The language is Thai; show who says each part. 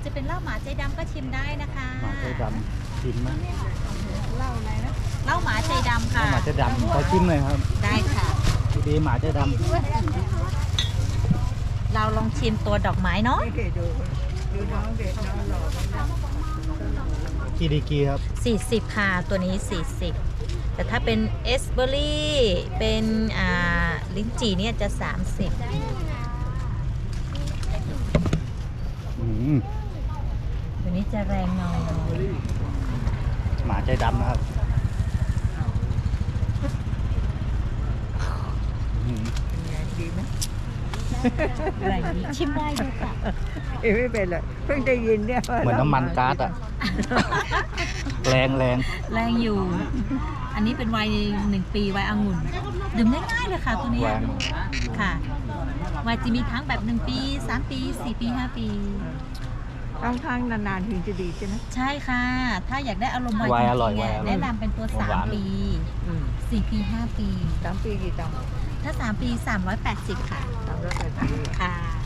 Speaker 1: จะเป็นเหล้าหมาใจดำก็ชิมได้นะคะ
Speaker 2: หมาใจดำชิมไหม
Speaker 1: เหล้าอะไรนะเหล้าหมาใจดำค่ะ
Speaker 2: หมาใจดำขอชิมหน่อยครับ
Speaker 1: ได้ค่ะ
Speaker 2: ดีหมาใจด
Speaker 1: เราลองชิมตัวดอกไม้เนาะ
Speaker 2: ำกีดีกีครับ
Speaker 1: 40ค่ะตัวนี้40แต่ถ้าเป็นเอสเบอรี่เป็นลิ้นจี่เนี่ยจะ30
Speaker 2: อืม
Speaker 1: ตัวนี้จะแรงหน่อย
Speaker 2: หมาใจดำนะครับอืม
Speaker 3: ดีไหม
Speaker 1: แรงดีชิมได้ด้วยค่ะ
Speaker 3: ไม่เป็นไรเพิ่งได้ยินเนี่ย
Speaker 2: เหมือนน้ำมันก๊าซอะแรง
Speaker 1: แรงอยู่ อันนี้เป็นไวน์1 ปีไวน์องุ่นดื่มง่ายๆเลยค่ะตัวเนี้ย
Speaker 2: แรง
Speaker 1: ค่ะไวน์จะมีทั้งแบบ1 ปี 3 ปี 4 ปี 5 ปี
Speaker 3: ต้องทั้งนานๆถึงจะดีใช่ไหม
Speaker 1: ใช่ค่ะ ถ้าอยากได้อารมณ์ไวน์
Speaker 2: ไว
Speaker 1: จ
Speaker 2: น์อร่อย
Speaker 1: ริงๆเนี่ย
Speaker 2: ไวน์อร่อย
Speaker 1: แนะนำเป็นตัว
Speaker 2: หวาน
Speaker 1: 3 ปี
Speaker 3: อืม
Speaker 1: 4 ปี 5 ปี
Speaker 3: 3 ปีกี่ตังค์
Speaker 1: ถ้า 3 ปี 380 ค่ะ
Speaker 3: 380
Speaker 1: ค่ะ